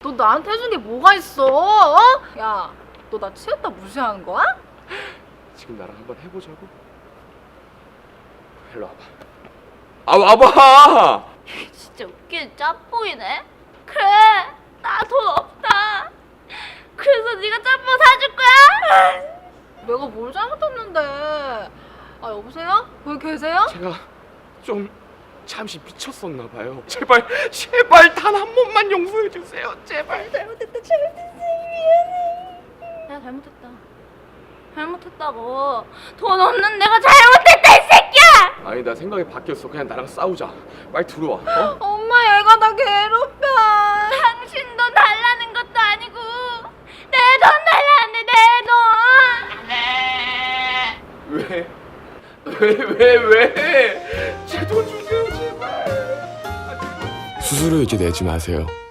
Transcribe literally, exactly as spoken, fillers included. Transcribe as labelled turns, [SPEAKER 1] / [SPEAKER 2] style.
[SPEAKER 1] 너 나한테 해준 게 뭐가 있어? 어? 야, 너 나 취했다 무시하는 거야?
[SPEAKER 2] 지금 나랑 한번 해보자고? 일로 와봐. 아 와봐!
[SPEAKER 3] 진짜 웃기는 짬뽕이네. 그래, 나 돈 없다. 그래서 네가 짬뽕 사줄 거야?
[SPEAKER 1] 내가 뭘 잘못했는데? 아 여보세요? 거기 계세요?
[SPEAKER 2] 제가 좀 잠시 미쳤었나 봐요. 제발 제발 단 한 번만 용서해 주세요. 제발.
[SPEAKER 3] 잘못했다, 잘못했어. 미안해. 내가 잘못했다. 잘못했다고. 돈 없는 내가 잘못했다, 이 새끼야!
[SPEAKER 2] 아니 나 생각이 바뀌었어. 그냥 나랑 싸우자. 빨리 들어와. 어?
[SPEAKER 1] 엄마 얘가 나 괴롭혀.
[SPEAKER 3] 당신 돈 달라는 것도 아니고 내 돈 달라는데 내 돈.
[SPEAKER 2] 왜? 왜 왜 왜? 제 돈 주세요 제발. 수수료 이제 내지 마세요.